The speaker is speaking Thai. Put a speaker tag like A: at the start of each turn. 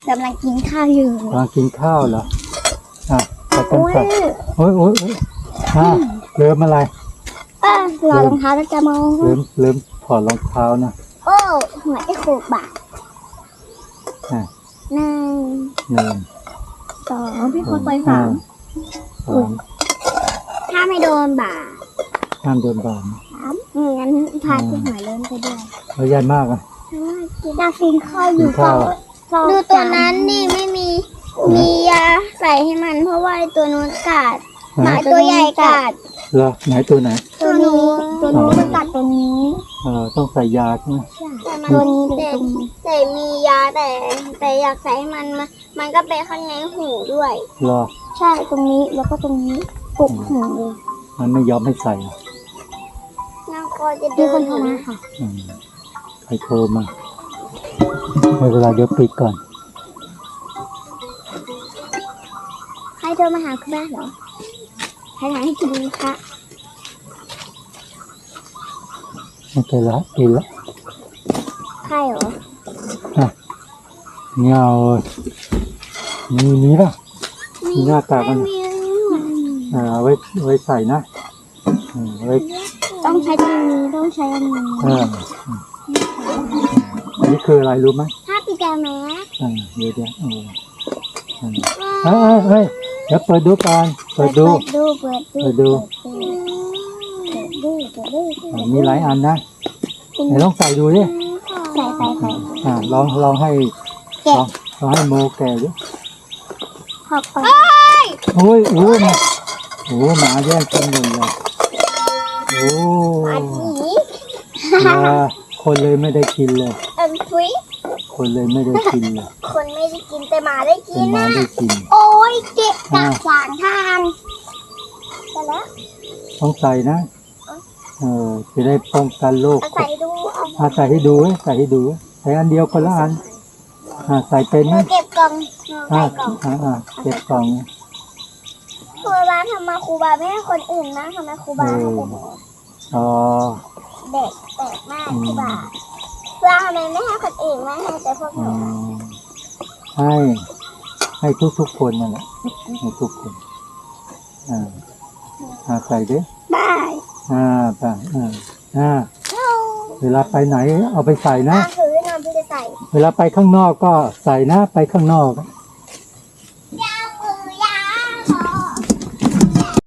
A: กำลังกินข้าวอยู่
B: กำลังกินข้าวเหรออ่ะแต่กันใส่โอ้ยเริ่มอะไร
A: รอรองเท้าแล้วจะมอง
B: เริ่มถอดรองเท้านะ
A: โอ้หัวไอ้โขกบาทหนึ่งสองพี่คนไปสามถ้าไม่โดนบาท
B: ห้ามโดนบาท
A: งั้นพาที่หัวเริ่มไปด้วย
B: แล้วใหญ่มากอ่ะ
A: จะกินข้าวอยู่ดูตัวนั้นนี่ไม่มียาใส่ให้มันเพราะว่าตัวนู้นกัดหมาตัวใหญ่กัด
B: เหรอไหนตัวไหน
A: ตัวนี้มันกัดตัวนี้
B: ต้องใส่ยาใช่ไหม
A: ตัวนี้แต่มียาแต่อยากใส่ให้มันก็ไปข้างในหูด้วย
B: เหรอ
A: ใช่ตรงนี้แล้วก็ตรงนี้ปุกหูเลย
B: มันไม่ยอมให้ใส่
A: น้องก็จะดูคนโทรมาค่ะ
B: ใครโทรมาเวลาเดี๋ยวปิดก่อน
A: ใครโทรมาหาคุณแม่เหรอใครถามให้กินคะ
B: ไม่เป็นไรกินละ
A: ใครเหรอ
B: เงามีป่ะมีหน้ากากมันไว้ใส่นะไว้
A: ต้องใช้ตรงนี้ต้องใช้อันนี้
B: นี่คืออะไรรู้ไหม
A: ผ้าปิกาแมส
B: เดี๋ยวเดี๋ยวเปิดดูก่อนเปิดดูมีหลายอันนะไหนลองใส่ดูดิ
A: ใส่
B: ลองให้โมแกดิ
A: ขอบคุณ
B: โอ้หมาแย่งกินหมดเลยคนเลยไม่ได้กินเลยคนเลยไม่ได้กินเลย
A: คนไม่ได้กินแต่หมาได้กินนะ
B: โ
A: อ้ยเก็บกัดขวางทางไปแล้ว
B: ต้องใส่นะจะได้ป้องกันโรค
A: ใส่ดู
B: ใส่ให้ดูใส่อันเดียวคนละอันใส่เป็นไหม
A: เก็บกล่อง
B: เก็บกล่อง
A: ครูบาทำมาครูบาไม่ให้คนอื่นนะทำไมครูบาเด็กแปลกมากครูบาทำไมไม่ให้คนอื่นไม่ให้แต่พวกหนู
B: ให้ทุกคนนั่นแหละให้ทุกคนใส่ดิ
A: ได้
B: เวลาไปไหนเอาไปใส่นะ
A: ถือน้ำพี่จะใส่
B: เวลาไปข้างนอกก็ใส่นะไปข้างนอก